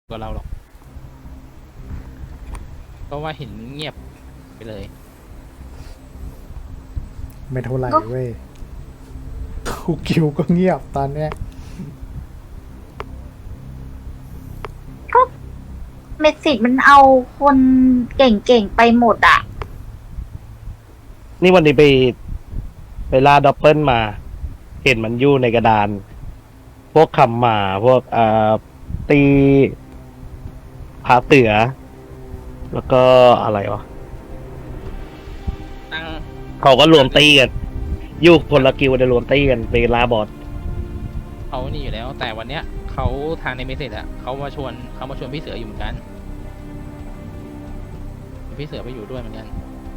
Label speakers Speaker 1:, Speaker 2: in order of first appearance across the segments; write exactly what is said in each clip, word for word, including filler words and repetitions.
Speaker 1: กว่าเราหรอกเพราะว่าเห็นเงียบไปเลย
Speaker 2: ไม่เท่าไหร่เว้ยคูคิวก็เงียบตอนเนี้ย
Speaker 3: เมสิกมันเอาคนเก่งๆไปหมดอ่ะ
Speaker 4: นี่วันนี้ไปไปล่าด็อปเปิลมา เห็นมันอยู่ในกระดาน พวกคำหมาพวกอ่าตีผาเตือ แล้วก็อะไรวะ
Speaker 1: ตั้ง
Speaker 4: เขาก็รวมตีกันอยู่คนละกิวจะรวมตีกันไปล่าบอส
Speaker 1: เขานี่อยู่แล้ว แต่วันเนี้ยเขาทางในเมสเซจอะเขามาชวนเขามาชวนพี่เสืออยู่เหมือนกันพี่เสือไปอยู่ด้วยเหมือนกัน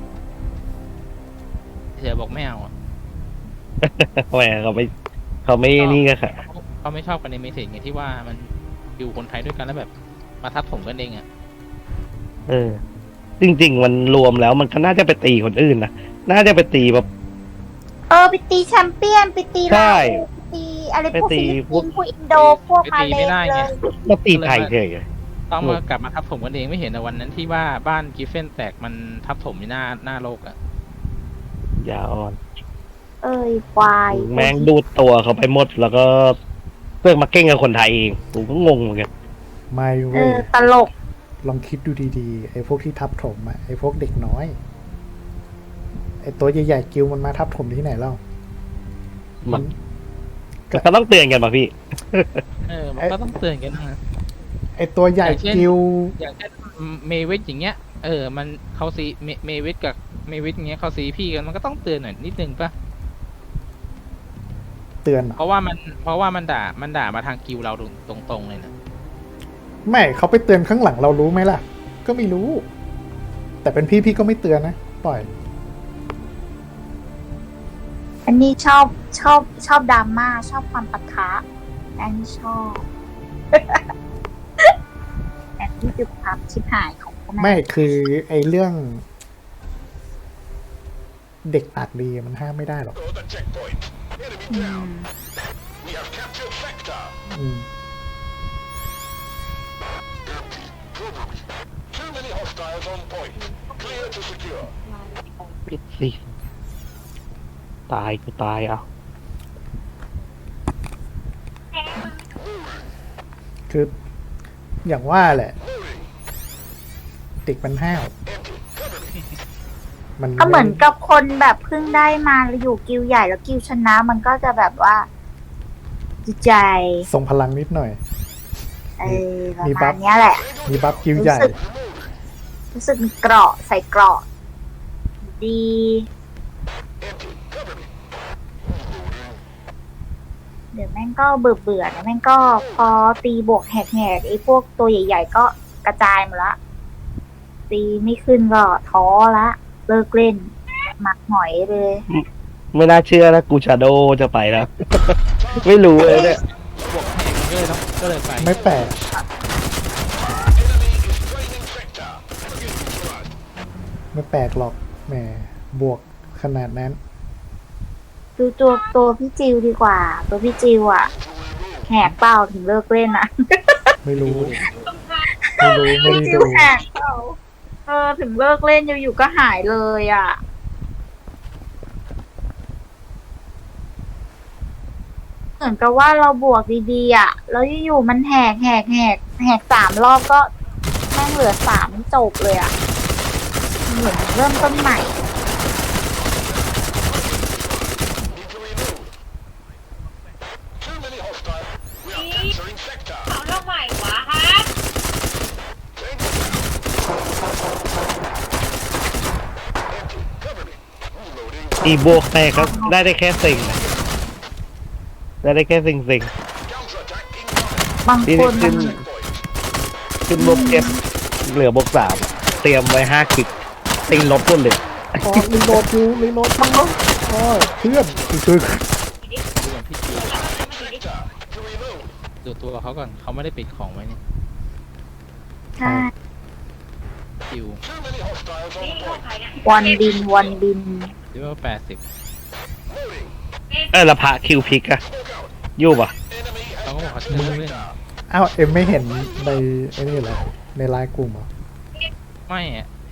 Speaker 1: พี่เสือบอกไม่เอาอะ
Speaker 4: แหมเขาไม่เขาไม่นี่กันค่ะ
Speaker 1: เขาเขาไม่ชอบกันในเมสเซจไงที่ว่ามันอยู่คนไทยด้วยกันแล้วแบบมาทับถมกันเองอะ
Speaker 4: เออ จริง ๆ มันรวมแล้วมันก็น่าจะไปตีคนอื่นนะน่าจะไปตีแบบ
Speaker 3: เออไปตีแชมเปี้ยนไปตี
Speaker 4: ใช่
Speaker 3: ลาวไปตีอะไรพวก
Speaker 4: ไปตี
Speaker 3: ฟิลิป
Speaker 4: พว
Speaker 3: ปิ
Speaker 4: ก
Speaker 3: นส์พวกอินโดพวกมาเลเซียเลย
Speaker 4: มาตีไทยเฉย
Speaker 1: ต้องมากลับมาทับถมกันเองไม่เห็นในวันนั้นที่ว่าบ้านกิฟเฟนแตกมันทับถมในหน้าหน้าโลกอะ
Speaker 4: ยาอ่อน
Speaker 3: เอ้ยควาย
Speaker 4: แม่งดูดตัวเขาไปหมด แล้วก็เพื่อมาเก่งกับคนไทยเองผมก็งงเหมือนกัน
Speaker 2: ไม่
Speaker 3: เอ
Speaker 2: เว้ย
Speaker 3: อตลก
Speaker 2: ลองคิดดูดีๆไอ้พวกที่ทับถมอะไอ้พวกเด็กน้อยไอ้ตัวใหญ่ๆกิวมันมาทับถมที่ไหนเล่า
Speaker 4: มันมันก็ต้องเตือนกันป่ะพี่
Speaker 1: เออมันก็ต้องเตือนกันนะ
Speaker 2: ไอ้ตัวใหญ่
Speaker 1: อย่างเช่น
Speaker 2: กิว
Speaker 1: อย่างเช่นเมวิทอย่างเงี้ย เออ มันเขาซีเมเมวิทกับเมวิทอย่างเงี้ยเขาซีพี่กันมันก็ต้องเตือนหน่อยนิดนึงป่ะ
Speaker 2: เตือนเหรอ
Speaker 1: เพราะว่ามันเพราะว่ามันด่ามันด่ามาทางกิวเราตรงๆเลยนะ
Speaker 2: ไม่เขาไปเตือนข้างหลังเรารู้ไหมล่ะ ก็ไม่รู้ แต่เป็นพี่พี่ก็ไม่เตือนนะปล่อย
Speaker 3: อันนี้ชอบชอบชอบดราม่าชอบความปะทะอันนี้ชอบ แต่ที่จุดพับชิบหายของพวกนั้น
Speaker 2: ไม่คือไอ้เรื่อง เด็กปากดีมันห้ามไม่ได้หรอก
Speaker 3: อืม
Speaker 2: อืม
Speaker 4: ปิดสิตายกูตายเอา
Speaker 2: คือ อย่างว่าแหละ เด็กมันห้าวมัน
Speaker 3: ก็เหมือนกับคนแบบเพิ่งได้มาแล้วอยู่กิวใหญ่แล้วกิวชนะ มันก็จะแบบว่าจิตใจ
Speaker 2: ทรงพลังนิดหน่อย
Speaker 3: เออประ
Speaker 2: มีบั
Speaker 3: มา
Speaker 2: ฟ
Speaker 3: ณเนี้ยแหละ
Speaker 2: มีบัฟกิวใหญ่
Speaker 3: รู้สึกมีเกราะใส่เกราะดี เดี๋ยวแม่งก็เบื่อเบื่อนะแม่งก็พอตีบวกแหกๆไอ้พวกตัวใหญ่ๆก็กระจายหมดละ ตีไม่ขึ้นก็ท้อละ เลิกเล่นหมักหอยเลย
Speaker 4: ไม่น่าเชื่อนะกูชาโดจะไปแล้ว ไม่รู้เลยเนี่ย
Speaker 1: บวกแหงก็เลยต้องก็เลยไป
Speaker 2: ไม่แปลก ไม่แปลกหรอกแหมบวกขนาดนั้น
Speaker 3: ดูตัวตัวพี่จิวดีกว่า ตัวพี่จิวอ่ะแหกเป้าถึงเลิกเล่นนะ
Speaker 2: ไม่รู้ ไม่รู้ ไม่ได้
Speaker 3: พี่จิ
Speaker 2: ดู
Speaker 3: วแหกเป้าเออถึงเลิกเล่นอยู่ๆก็หายเลยอ่ะ เหมือนกับว่าเราบวกดีๆอ่ะ แล้วอยู่ๆมันแหกแหกแหกแหกสามรอบก็แม่งเหลือสามจบเลยอ่ะ เหมือนเริ่มต้นใหม่
Speaker 5: เอาเรื่องใหม่วะฮะ
Speaker 4: อีโบกแตกครับได้ได้แค่สิ่งนะได้ได้แค่สิ่งสิ่ง
Speaker 3: บาง
Speaker 4: ที่
Speaker 3: คนมั
Speaker 4: ขึ้
Speaker 3: น
Speaker 4: นขึ้นบกเจ็ดเหลือบกสามเตรียมไว้ห้าคลิกตีลบต้นเลย
Speaker 2: พอรีโหลดอยู่รีโหลดอยู่โอ้ยเพื่อนคือ
Speaker 1: ดูก่อนพี่จิวดูตัวเขาก่อนเขาไม่ได้ปิดของไว้เนี่ย
Speaker 3: ใช่
Speaker 1: จิว
Speaker 5: นี่ของใครเนี่ย
Speaker 3: วันบินวันบิน
Speaker 1: หรือว่าแปดสิบ
Speaker 4: เออและพระคิวพิกอะอยู่ปะ
Speaker 1: เขาก็บอกเขาเชิญเล่น
Speaker 2: อ้าวเอ็มไม่เห็นในไอ้นี่เหรอในไลน์กลุ่มเหรอ
Speaker 1: ไม่อะไอ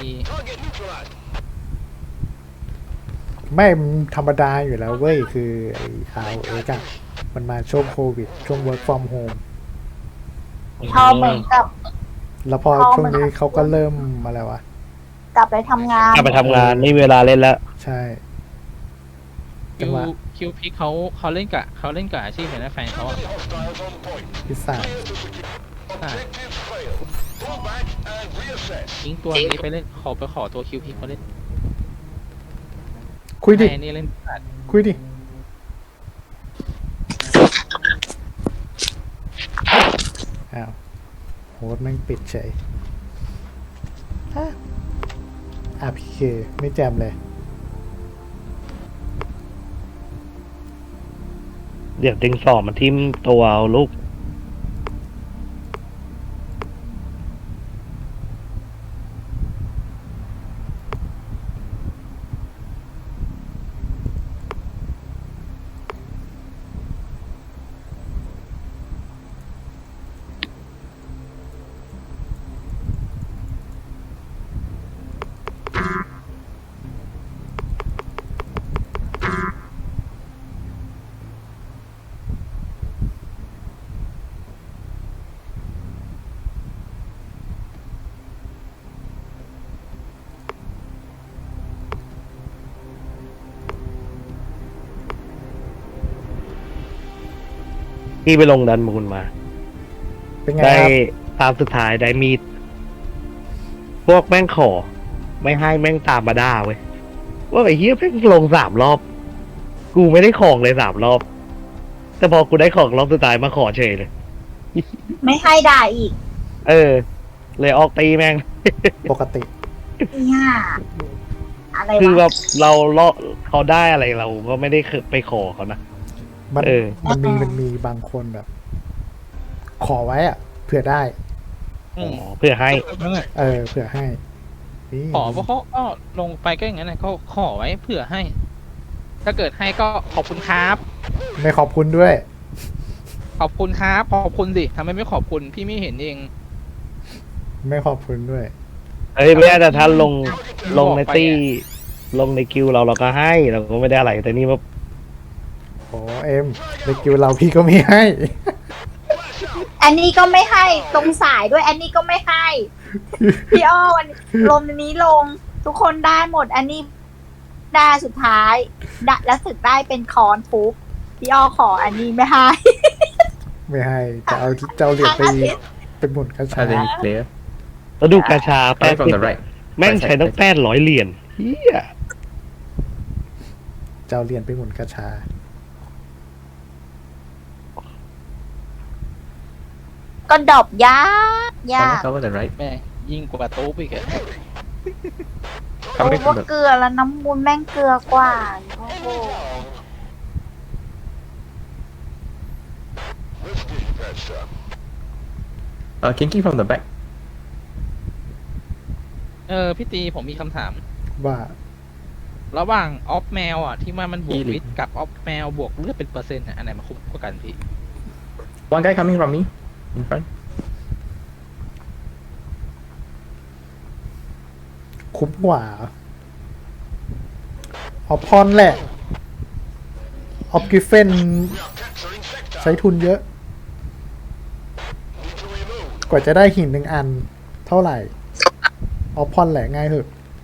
Speaker 2: ไม่มันธรรมดาอยู่แล้วเว้ยคือไอ้ อาร์ โอ เอ็กซ์ อะมันมาช่วงโควิด ช่วง work from home
Speaker 3: พอเหมือนกับ
Speaker 2: แล้วพอ
Speaker 3: พอ
Speaker 2: ช่วง
Speaker 3: มัน
Speaker 2: นี้เขาก็เริ่มอะไรวะ
Speaker 3: กลับไปทำงาน
Speaker 4: กลับไปทำงานนี่เวลาเล่นแล้ว
Speaker 2: ใช่
Speaker 1: คิ
Speaker 2: จัง
Speaker 1: ว
Speaker 2: หวะ
Speaker 1: คิวพิกเขาเขาเล่นกับเขาเล่นกับอาชีพเห็นไหมแฟนเขาอะ
Speaker 2: พิซซ่า
Speaker 1: อ่ะทิ้งตัวนี้ไปเล่นขอไปขอตัวคิวพิกเขาเล่น
Speaker 2: คุยดิ
Speaker 1: ให้อันนี่เล่นพลาด
Speaker 2: คุยดิ อ้าวโหดแม่งปิดเฉยฮะอาร์ พี เค ไม่แจมเลย
Speaker 4: เดี๋ยวติงสอบมันทิ่มตัวเอาลูก พี่ไปลงดันมูลมา
Speaker 2: เป็นไง
Speaker 4: ได้
Speaker 2: ครับ
Speaker 4: ตามสุดท้ายได้มีด พวกแม่งขอ ไม่ให้แม่งตามมาด่าเว้ย ว่าไอ้เหี้ยแม่งลงสามรอบ กูไม่ได้ของเลยสามรอบ แต่พอกูได้ของรอบสุดท้ายมาขอเฉยเลย
Speaker 3: ไม่ให้ด่าอีก
Speaker 4: เออ เลยออกตีแม่ง
Speaker 2: ปกติ
Speaker 3: เนี่ยอะไร
Speaker 4: คือแบ
Speaker 3: วะ
Speaker 4: บเราเลาะเขาได้อะไรเราก็ไม่ได้ไปขอเขานะ
Speaker 2: มัน
Speaker 4: เออ
Speaker 2: มันมีมันมีบางคนแบบ ขอไว้อะเผื่อได้
Speaker 1: อืม
Speaker 4: เพื่อให้
Speaker 1: นั่นแหละ
Speaker 2: เออเผื่อให้นี่
Speaker 1: ขอเพราะเขาก็ลงไปก็อย่างนั้นแหละเขาขอไว้เผื่อให้ ถ้าเกิดให้ก็ขอบคุณครับ
Speaker 2: ไม่ขอบคุณด้วย
Speaker 1: ขอบคุณครับขอบคุณสิทำไมไม่ขอบคุณพี่ไม่เห็นเอง
Speaker 2: ไม่ขอบคุณด้วย
Speaker 4: เอ้ยแม้แต่ท่านลงลงใน
Speaker 1: บอกไป
Speaker 4: ตี้
Speaker 1: อะ
Speaker 4: ลงในคิวเราเราก็ให้เราก็ไม่ได้อะไร แต่นี่ว่า
Speaker 2: โอ้เอ็มในกิวเราพี่ก็ไม่ให้
Speaker 3: อันนี้ก็ไม่ให้ตรงสายด้วย อันนี้ก็ไม่ให้ พี่อ้อวันลมนี้ลง ทุกคนได้หมด อันนี้ได้สุดท้ายดะแล้วสึกได้เป็นคอนปุ๊บพี่อ้อขออันนี้ไม่ให้
Speaker 2: ไม่ให้จะเอาจะเอาเหรียญไป
Speaker 3: ทั้งอาทิตย์
Speaker 2: เป็นหมุนกระชา
Speaker 6: Are they clear?
Speaker 4: เราดูกาชาแปด
Speaker 6: Coming from the right.
Speaker 4: แม่งใช้ต้องแปดร้อยเหรียญเฮีย
Speaker 2: จะเอาเหรียญไปหมุนกระชา
Speaker 3: ก็ดอบยากยาก
Speaker 6: Coming cover the right.
Speaker 1: แม่ยิ่งกว่าตู้อีกอะ
Speaker 3: โอ้
Speaker 6: Coming
Speaker 3: ว่า
Speaker 6: from the
Speaker 3: เกลือแล้วน้ำมูลแม่งเกลือกว่าโอ้โห
Speaker 6: uh, kinky from the back.
Speaker 1: เออพี่ตีผมมีคำถาม
Speaker 2: ว่า
Speaker 1: ระหว่างออฟแมวอ่ะที่ว่ามันบวก
Speaker 6: อีลิ
Speaker 1: วิทย์กับออฟแมวบวกเลือดเป็นเปอร์เซ็นต์อะอันไหนมาคุ้มกว่ากันพี่
Speaker 6: One guy coming from me in front.
Speaker 2: คุ้มกว่าออพอนแหละออฟกิฟเฟนใช้ทุนเยอะ กว่าจะได้หินหนึ่งอัน เท่าไหร่ออพอนแหละง่ายเหอะ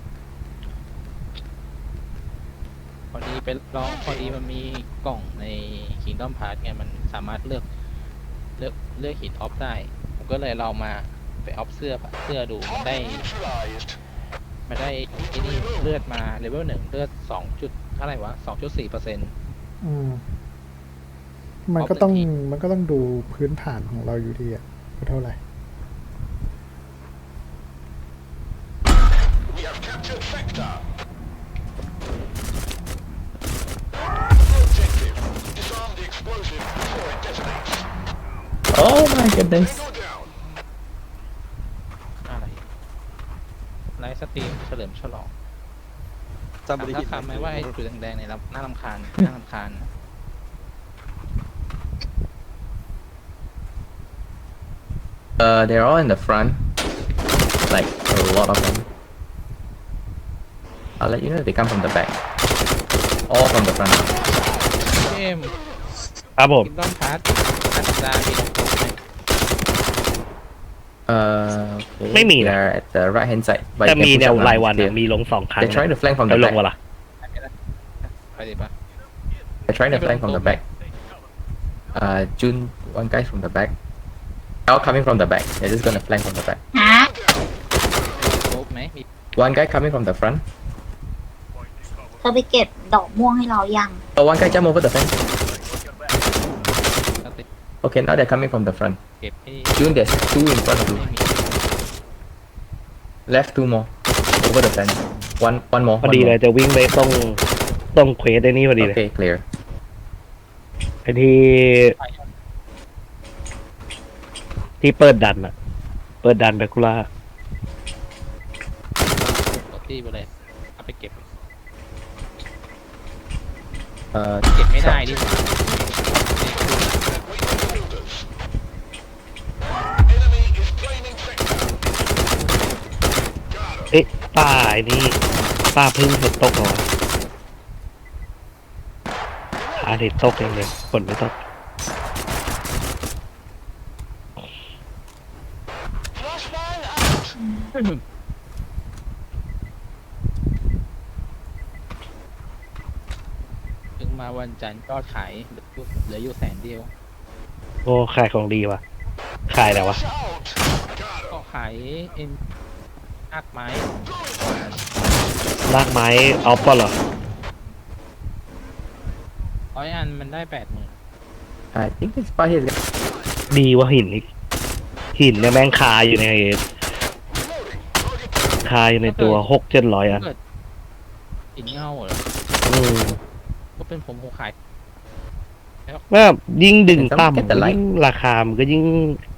Speaker 1: พอดีไปลองพอดีมันมีกล่องใน Kingdom Pass ไงมันสามารถเลือกเลือกเลือกหินออฟได้ ผมก็เลยลองมาไปออฟเสื้อเสื้อดูมันได้มันได้ไอ้นี่เลือดมาเลเวลหนึ่งเลือดสองจุดเท่าไหร่วะสองจุดสี่เปอร์เซ็นต์
Speaker 2: อืม มันก็ต้อง
Speaker 1: ออฟเลยพี่
Speaker 2: มันก็ต้องดูพื้นฐานของเราอยู่ดีอะว่าเท่าไหร่
Speaker 6: Oh my goodness.
Speaker 1: อะไรไลฟ์สตรีมเฉลิมฉลองถามถ้าคำไหมว่าไอ้จุดแดงๆในรับน่ารำคาญน่ารำคาญ
Speaker 6: Uh, they're all in the front. Like a lot of them. I'll let you know if they come from the back. All from the front.
Speaker 1: เกม
Speaker 4: ครับผม
Speaker 1: คิงดอมพาร์ทอัตรามีตรงไหม
Speaker 6: Uh, okay.
Speaker 4: ไม่มีนะ
Speaker 6: They're at the right hand side. But
Speaker 4: แต่
Speaker 6: you can
Speaker 4: มี
Speaker 6: push
Speaker 4: แนว
Speaker 6: up now,
Speaker 4: รายวัน
Speaker 6: it's
Speaker 4: อะ
Speaker 6: clear.
Speaker 4: มีลงสองครั้ง
Speaker 6: They're trying to flank from
Speaker 4: จะ
Speaker 6: the
Speaker 4: ลง
Speaker 6: back.
Speaker 4: วะล่ะ
Speaker 1: ไปดิปะ
Speaker 6: They're trying to flank from the back. Uh, June, one guy from the back. All coming from the back. They're just gonna flank from the back.
Speaker 3: ฮะ
Speaker 1: โคบไหมมี
Speaker 6: One guy coming from the front.
Speaker 3: เธอไปเก็บดอกม่วงให้เรายัง
Speaker 6: Oh, one guy jump over the fence.
Speaker 1: สติ
Speaker 6: Okay, now they're coming from the front.
Speaker 1: เก็บให้
Speaker 6: June, there's two in front of you.
Speaker 1: ไม่มี
Speaker 6: Left two more. Over the fence. One, one more.
Speaker 4: พอ
Speaker 6: one
Speaker 4: ดี
Speaker 6: more.
Speaker 4: เลยจะวิ่งไปต้องต้องเควสไอ้นี่พอดีเลย
Speaker 6: Okay, clear.
Speaker 4: ไอ้ที่ที่เปิดดันอะเปิดดันแบคูล่า
Speaker 1: กดที่ไปเลยเอาไปเก็บ
Speaker 6: Uh,
Speaker 1: เก็บไม่ได้ดิหว่า
Speaker 4: เอ๊ะป้าไอ้นี่ป้าพึ่งฝนตกเหรอวะอาทิตย์ตกเองเลยฝนไม่ตก
Speaker 1: ถึงมาวันจันทร์ก็ขายเหลืออยู่แสนเดียว
Speaker 4: โอ้ขายของดีว่ะขายแล้ววะ
Speaker 1: ก็ขายเอ็นอักไม้
Speaker 4: ลากไม้ออฟก็เหรอ
Speaker 1: ร้อยอันมันได้แปดหมื่น
Speaker 6: I think this part here is
Speaker 4: ดีกว่าหินอีกหินเนี่ยแม่งคาอยู่ในคาอยู่ในตัวหกเจ็ดร้อยอัน
Speaker 1: เกิดหินเงาเหรอ
Speaker 4: อืม
Speaker 1: ก็เป็นผมผมขาย
Speaker 4: ว่ายิ่งดึง
Speaker 6: ต้อง
Speaker 4: ต่ำ
Speaker 6: get the light
Speaker 4: ยิ่งราคามันก็ยิ่ง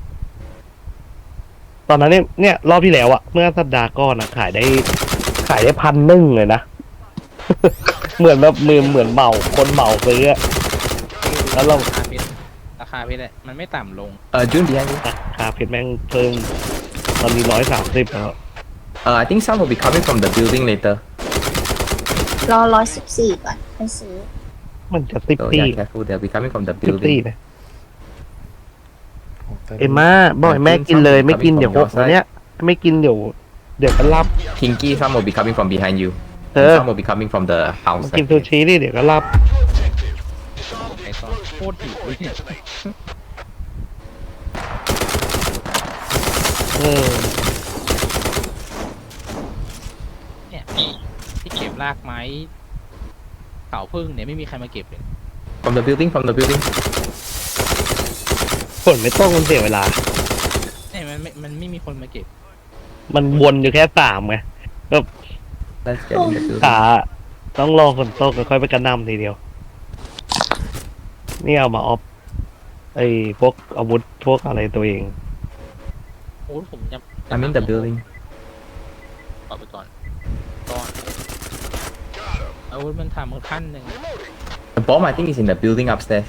Speaker 4: ตอนนั้นเนี่ยเนี่ยรอบที่แล้วอะเมื่อสัปดาห์ก่อนอะขายได้ ขายได้พันหนึ่งเลยนะ เหมือนแบบมือเหมือนเหมาคนเหมาซื้ออะแล้วเรา
Speaker 1: ราคาเพชรราคาเพชรเนี่ยมันไม่ต่ำลง
Speaker 6: uh, June behind you.
Speaker 4: ราคาเพชรแม่งเพิ่มตอนนี้ร้อยสามสิบแล้ว
Speaker 6: Uh, I think some will be coming from the building later.
Speaker 3: รอร้อยสิบสี่ก่อนไปซื้อ
Speaker 4: มันจะสิบ
Speaker 6: So
Speaker 4: ตี
Speaker 6: yeah, careful. They'll be coming from the
Speaker 4: สิบตี
Speaker 6: building.
Speaker 4: เลยเอ็มม่าบ่อยแม่กินเลยไม่กินเดี๋ยวหกวันเนี้ยไม่กินเดี๋ยวเดี๋ยวก็รับ
Speaker 6: Kinky, some will be coming from behind you.
Speaker 4: Ờ.
Speaker 6: And some will be coming from the
Speaker 4: มา
Speaker 6: house.
Speaker 4: กินซูชิดิเดี๋ยวก็รับ
Speaker 1: ไอ้ตอนโคตรหิวเลยเนี่ย
Speaker 4: เออ
Speaker 1: เนี่ยที่ที่เก็บรากไม้เสาพึ่งเนี่ยไม่มีใครมาเก็บเลย
Speaker 6: From the building, from the building.
Speaker 4: ฝนไม่ต้องมันเสียเวลา
Speaker 1: เนี่ยมันไม่มันไม่มีคนมาเก็บ
Speaker 4: มันวนอยู่แค่สามไง
Speaker 6: Let's get in the building.
Speaker 4: ขาต้องรอฝนตกแล้วค่อยไปกระหน่ำทีเดียว นี่เอามาออฟไอ้พวกอาวุธพวกอะไรตัวเอง
Speaker 1: โอ้ผมจะ
Speaker 6: I'm in the building.
Speaker 1: ออกไปก่อนก่อนอาวุธมันทำขั้นหนึ่ง
Speaker 6: The bomb, I think, is in the building upstairs.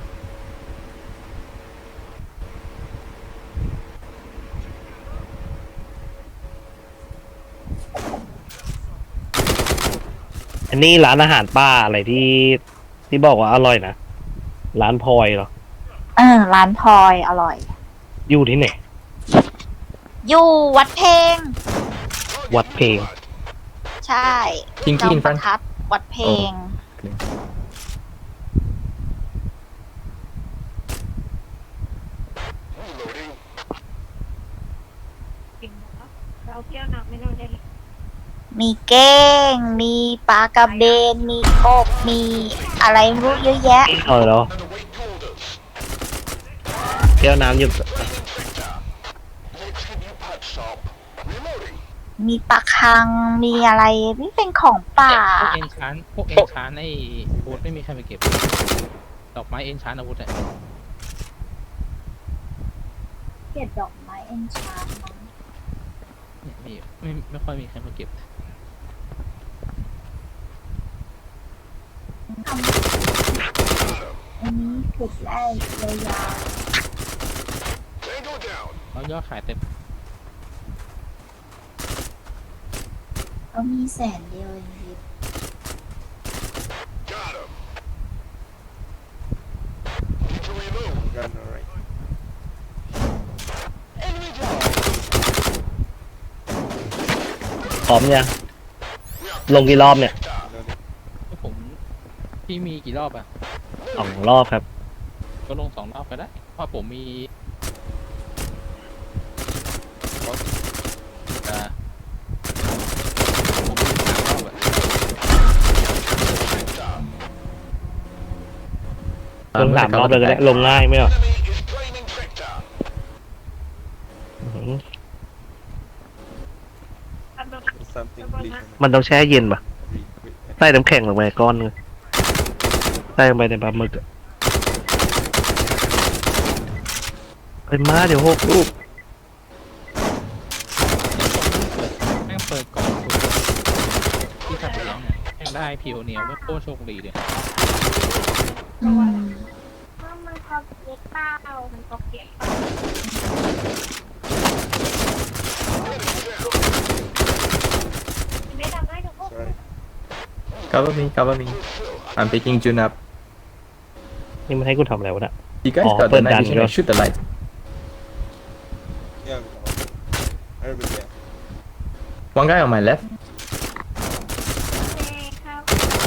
Speaker 4: อันนี้ร้านอาหารป้าอะไรที่ที่บอกว่าอร่อยนะ ร้านพลอยเหรอ
Speaker 3: เออ ร้านพลอยอร่อย
Speaker 4: อยู่ที่ไหน
Speaker 3: อยู่วัดเพลง
Speaker 4: วัดเพลง
Speaker 3: ใช่
Speaker 6: Kinky
Speaker 3: จอม
Speaker 6: in
Speaker 3: ประ
Speaker 6: front.
Speaker 3: ทัดวัดเพลง
Speaker 6: Okay.
Speaker 5: เราเที่ยวหนักไม่ต้องได้
Speaker 3: มีเก้ง มีปลากระเบน มีกบ มีอะไรไม่รู้เยอะแยะ
Speaker 4: เอาแล้วแก้วน้ำอยู่
Speaker 3: มีปลาคัง มีอะไรนี่เป็นของป่า
Speaker 1: พวกเอ็นชานพวกเอ็นชานไอ้อาวุธไม่มีใครมาเก็บ ดอกไม้เอ็นชานอาวุธอะ
Speaker 3: เก็บดอกไม้เอนชานมั้ง
Speaker 1: เนี่ยมีไม่ไม่ค่อยมีใครมาเก็บ
Speaker 3: อันนี้ขุดได้ยาว
Speaker 1: ตเขายอดขายเต็ม
Speaker 3: เขามีแสนเดียวเองพี่
Speaker 4: พร้อมยังลงกี่รอบเนี่ย
Speaker 1: ผมพี่มีกี่รอบอ่ะ
Speaker 4: สองรอบครับ
Speaker 1: ก็ลงสองรอบก็ได้เพราะผมมีอ่าผมมีสามรอบอะ
Speaker 4: ลงสามรอบเลยก็ได้ลงง่ายไหมอ่ะอื้อหือ
Speaker 5: อันแบบ
Speaker 7: Something bleak.
Speaker 4: มันต้องแช่เย็นป่ะใส่น้ำแข็งลงไปก้อนนึงใส่ลงไปในปลาหมึกอะไปมาเดี๋ยวหกลูก
Speaker 1: แม่งเปิดกล่องคุยที่ขัดเลี้ยงเนี่ยแม่งได้พิวเนียว่าโคตรโชคดีเลย
Speaker 3: อืม
Speaker 5: ว่ามันพ็อกเก็ตเปล่ามันพ็อกเก็ตเปล่าไม่ทำให้ทุกคน
Speaker 7: Sorry.
Speaker 6: Cover me, cover me. I'm picking Jun up.
Speaker 4: นี่มันให้กูทำอะไรวะเนี่ย
Speaker 6: You guys
Speaker 4: Oh,
Speaker 6: got the
Speaker 4: put
Speaker 6: night
Speaker 4: that
Speaker 6: vision
Speaker 4: in
Speaker 6: and shoot the light.
Speaker 7: Yeah, we know. I will there.
Speaker 6: One guy on my left.
Speaker 5: โอเคครับ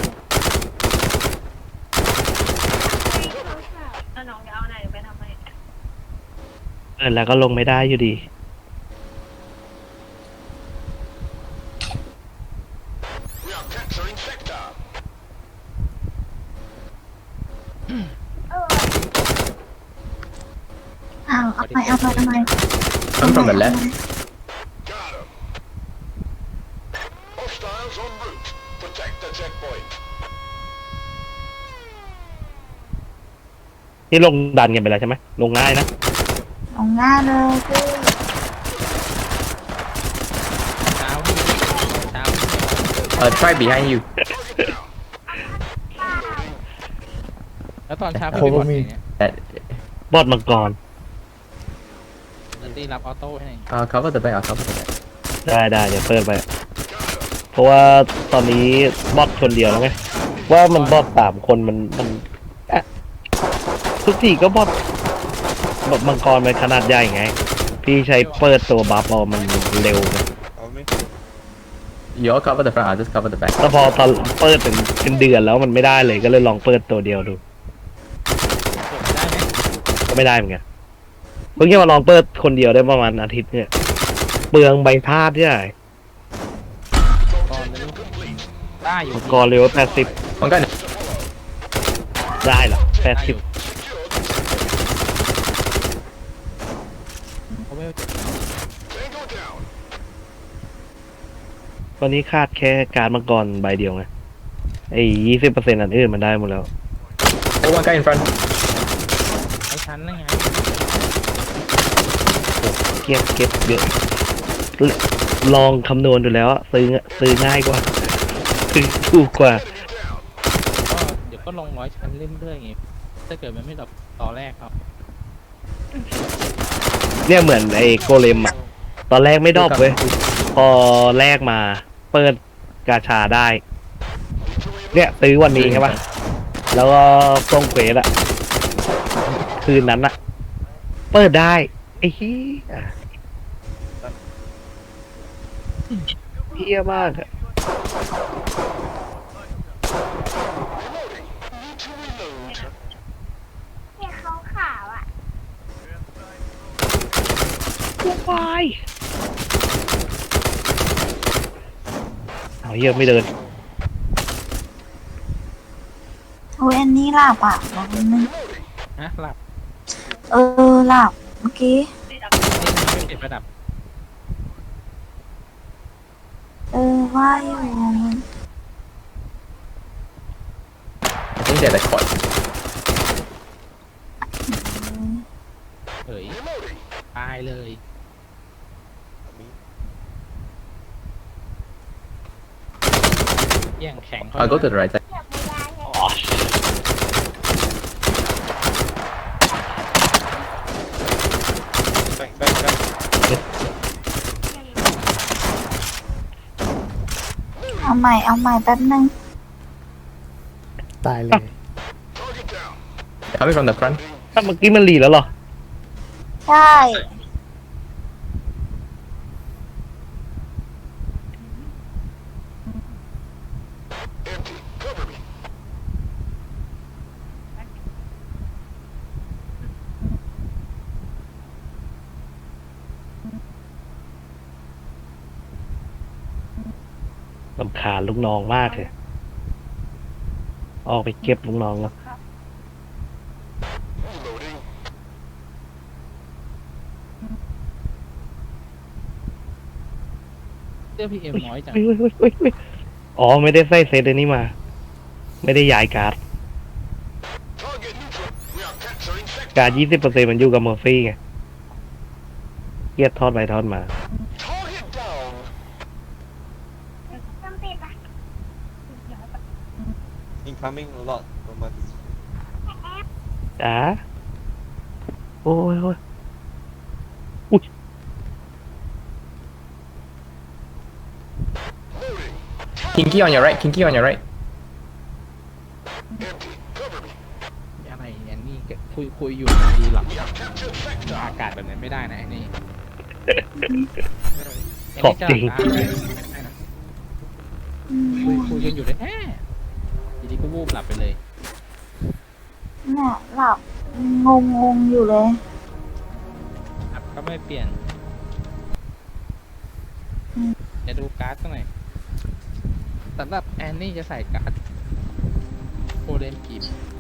Speaker 5: เอาน้องจะเอาไหนไปทำไม
Speaker 4: เออแล้วก็ลงไม่ได้อยู่ดี
Speaker 3: อ้าวเอาไปเอาไปเอาไป
Speaker 6: Come from the left.
Speaker 8: Hostiles en route. Protect the checkpoint.
Speaker 4: นี่ลงดันกันไปแล้วใช่ไหมลงง่ายนะ
Speaker 3: เอาง่ายเลยพี่
Speaker 1: เช้าที่เช้าที่
Speaker 6: Uh, try behind you.
Speaker 1: แล้วตอนเช้าพี่ไปบอดอย่างเงี้ย
Speaker 6: That,
Speaker 4: บอดมังกร
Speaker 1: นันตี้รับออโต้ให้
Speaker 6: uh, cover the back. I'll cover the back.
Speaker 4: ได้ได้เดี๋ยวเปิดไป เพราะว่าตอนนี้บอทคนเดียวแล้วไงว่ามันบอทสามคนมันมันอะทุกทีก็บอทแบบมังกรมันขนาดใหญ่ไง พี่ใช้เปิดตัวบัฟเอามันเร็วไง
Speaker 7: Help me.
Speaker 6: You all cover the front. I'll just cover the back.
Speaker 4: แล้วพอตอนเปิดถึงเป็นเดือนแล้วมันไม่ได้เลยก็เลยลองเปิดตัวเดียวดู
Speaker 1: ผมได้ไหม
Speaker 4: ก็ไม่ได้เหมือนกันเพิ่งจะมาลองเปิดคนเดียวได้ประมาณอาทิตย์เนี่ยเปลืองใบธาตุใช่ไหม
Speaker 1: ก่อนเลยได้อยู่
Speaker 4: มังกรเร็วแปดสิบ
Speaker 6: One guy.
Speaker 4: ได้เหรอแปด
Speaker 1: ได้อ
Speaker 4: สิบ
Speaker 1: ยู่เขาไม่
Speaker 8: Tango down.
Speaker 4: ตอนนี้คาดแค่การดมังกรใบเดียวไงไอ้ยี่สิบเปอร์เซ็นต์อันอื่นมันได้หมดแล้ว
Speaker 6: Oh, one guy in front.
Speaker 1: ไอ้ชั้นนั่นไง
Speaker 4: เก็บเก็บเยอะลองคำนวณดูแล้วอะซื้อซื้อง่ายกว่าซื้อถูกกว่า
Speaker 1: ก็เดี๋ยวก็ลงร้อยชั้นเรื่อยๆไงถ้าเกิดมันไม่ดรอปต่อแรกครับ
Speaker 4: เนี่ยเหมือนไอ้โกเลมอะตอนแรกไม่ดรอปเว้ยพอแรกมาเปิดกาชาได้ เนี่ยซื้อวันนี้ใช่ปะแล้วก็ส่งเควสอะคืนนั้นอะเปิดได้ไอ้เหี้ยเหี้ยมากอะ
Speaker 5: เนี่ยเขาขาวอ่ะ
Speaker 4: วายเอาเหี้ยไม่เดิน
Speaker 3: โอ้ยอันนี้หลับอ่ะบอกนิดนึง
Speaker 1: ฮะหลับ
Speaker 3: เออหลับเมื่อกี้
Speaker 1: นี่ทำไมไม่ติดระดับ
Speaker 3: เออว่าอยู่
Speaker 6: I think they're the quad.
Speaker 1: เฮ้ยตายเลยแย่งแข็งเขา
Speaker 6: I'll go to the right side.
Speaker 7: Back, back, back.
Speaker 3: เอาใหม่เอาใหม่แป๊บนึง
Speaker 2: ตายเลย
Speaker 8: Target down.
Speaker 6: Coming from the front.
Speaker 4: ถ้าเมื่อกี้มันรีแล้วเหรอ
Speaker 3: ใช่
Speaker 8: Empty. Cover me.
Speaker 4: ลำคาญลูกน้องมากเลย ออกไปเก็บลูกน้องแล้ว
Speaker 8: Reloading.
Speaker 1: เสื้อพีเอ็มน้อยจัง
Speaker 4: อุ๊ยอุ๊ยอุ๊ยอุ๊ยอ๋อ ไม่ได้ใส่เซตอันนี้มา ไม่ได้ย้ายการ์ด
Speaker 8: Target neutral. We are capturing sector.
Speaker 4: การยี่สิบเปอร์เซ็นต์มันอยู่กับเมอร์ฟี่ไงเกียดทอดไปทอดมา
Speaker 8: Target down.
Speaker 5: ต้องติดปะ
Speaker 7: Incoming a lot from my position.
Speaker 4: จ๋าโอ้ยโอ้ย
Speaker 8: Loading.
Speaker 6: Kinky on your right. Kinky on your right.
Speaker 8: Empty. Cover me.
Speaker 1: อะไรอย่างนี้ก็คุยคุยอยู่ดีหลับ
Speaker 8: We have captured sector.
Speaker 1: อากาศแบบนั้นไม่ได้นะไอ้นี่
Speaker 4: ของจริง
Speaker 1: คุยคุยกันอยู่เลยแอะทีนี้ก็วูบหลับไปเลย
Speaker 3: เนี่ยหลับงงงงๆอยู่เลย
Speaker 1: อัพก็ไม่เปลี่ยนจะดูการ์ดสักหน่อยสำหรับแอนนี่จะใส่การ์ดโคเดนกิม